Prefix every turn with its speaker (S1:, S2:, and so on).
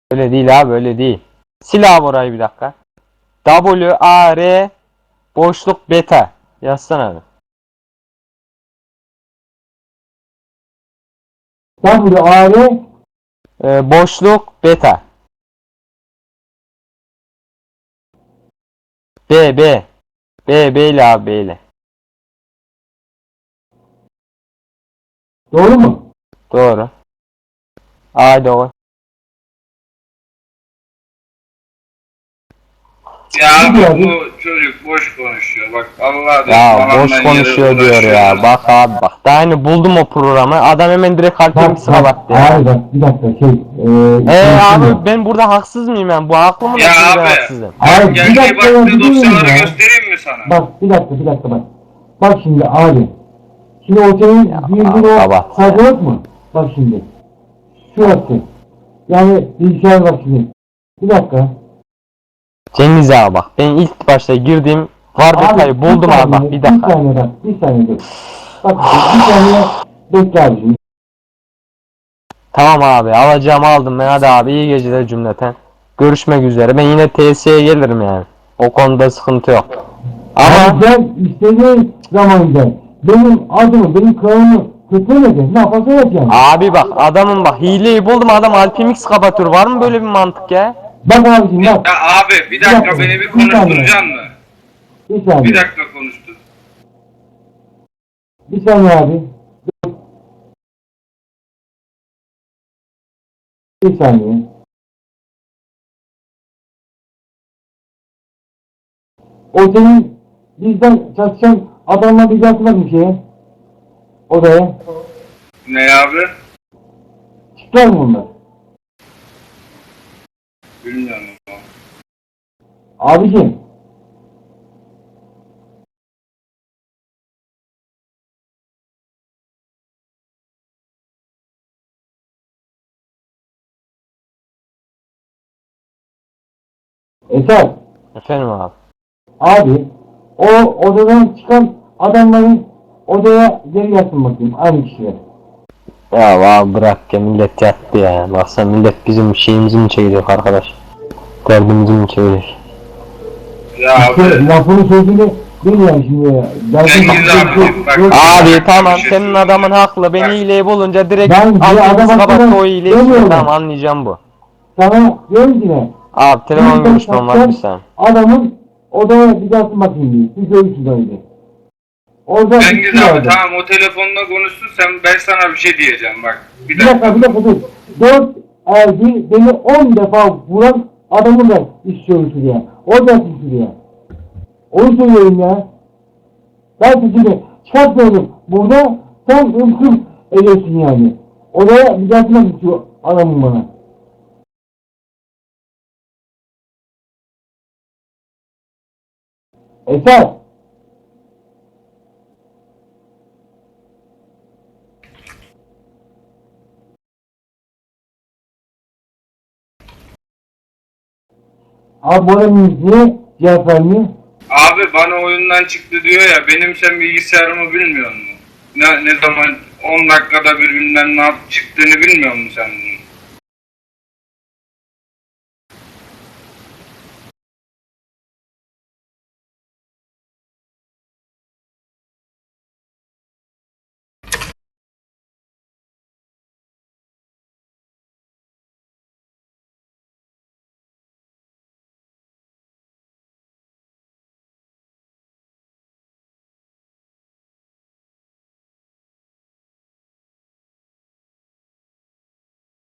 S1: Öyle değil abi, öyle değil. Sil abi orayı bir dakika. WAR boşluk beta. Yazsana abi.
S2: WAR
S1: Boşluk beta. B. B ile abi, B ile.
S2: doğru mu?
S1: Doğru. A doğru.
S3: Ya
S2: Ne diyor
S3: abi
S2: abi?
S3: bu çocuk boş konuşuyor. Bak Allah
S1: Ya boş konuşuyor diyor ya. Bak abi bak. Daha yeni buldum o programı. Adam hemen direkt kalbimi sıkabattı ya.
S2: Abi bak bir dakika
S1: Abi ben burada haksız mıyım ben? Bu haklı mı?
S3: Ya
S1: Ben
S3: abi.
S1: haksızım.
S2: Abi, bir
S3: Geldiği
S2: dakika ya,
S3: baktığı
S2: bir durun
S3: dosyaları
S2: ya.
S3: göstereyim mi sana?
S2: Bak bir dakika bak. Bak şimdi abi. Şimdi o senin girdiğin o
S1: kapat.
S2: sayfa yok mu? Bak şimdi. Şurası. Yani bilgisayar bak şimdi. Bir dakika.
S1: Cengiz abi bak. Ben ilk başta girdim. Var detayı buldum abi bak. Bir dakika.
S2: Bir saniye dur. Bak bir saniye bekle abi şimdi.
S1: Tamam abi, alacağımı aldım ben. Hadi abi, iyi geceler cümleten. Görüşmek üzere. Ben yine TS'ye gelirim yani. O konuda sıkıntı yok. Ama
S2: Ama ben istediğin zaman gel. Benim adımı, benim kralımı kötülemedin. Ne yaparsa yap yani.
S1: abi bak, adamın bak hileyi buldum, adam Alpimix kapatıyor. Var mı böyle bir mantık ya?
S2: Bak abicim bak.
S3: Ya abi bir dakika beni bir konuşturacaksın mı?
S2: Bir saniye.
S3: Bir dakika konuştur.
S2: Bir saniye abi. Bir saniye. O senin bizden çalışan adamla bir atmak bir şeye. Odaya.
S3: Ne abi?
S2: Çıkar mı bunlar?
S3: Bilmiyorum.
S2: Abicim. Esat.
S1: Efendim abi.
S2: Abi. O odadan çıkan adamların odaya geri yatsın bakayım. Aynı kişiler.
S1: Ya abi bırak ya, millet yattı ya. Baksana, millet bizim şeyimizi mi çeviriyor arkadaş? Derdimizi mi çeviriyor?
S3: Ya
S2: İşte
S3: abi.
S2: lafını sözünü bil yani şimdi ya.
S3: Cengiz abi, bak.
S1: Abi tamam,
S3: Bir şey
S1: senin adamın haklı. Ben
S3: Bak.
S1: hileyi bulunca direkt
S2: Ben bir
S1: Alpimix
S2: adam
S1: kapattı
S2: hakkında
S1: o hileyi.
S2: demiyorum.
S1: Tamam, anlayacağım bu.
S2: Sana diyorum ki ne?
S1: Abi telefon
S2: Bizden
S1: görüşmem var
S2: çalışan
S1: bir saniye.
S2: adamın odaya bir yatsın bakayım diye. Siz görürsünüz öyle. Orada
S3: Cengiz
S2: bir şey
S3: abi
S2: vardı.
S3: tamam o telefonla konuşsun sen, ben sana bir şey diyeceğim bak. Bir
S2: Bir
S3: dakika.
S2: dakika dur. 4 erdi beni 10 defa vuran adamın da iş görürsün diye. Orada yatsın diye. Onu söylüyorum ya. Ben sizi çıkartmıyorum. Burada sen ımkım ediyorsun yani. Odaya bir yatsın istiyor adamın bana. Esat. Abi bana niye cevap vermiyor?
S3: Abi bana oyundan çıktı diyor ya, benim sen bilgisayarımı bilmiyor musun? Ne zaman 10 dakikada bir bilmem ne çıktığını bilmiyor musun sen bunu?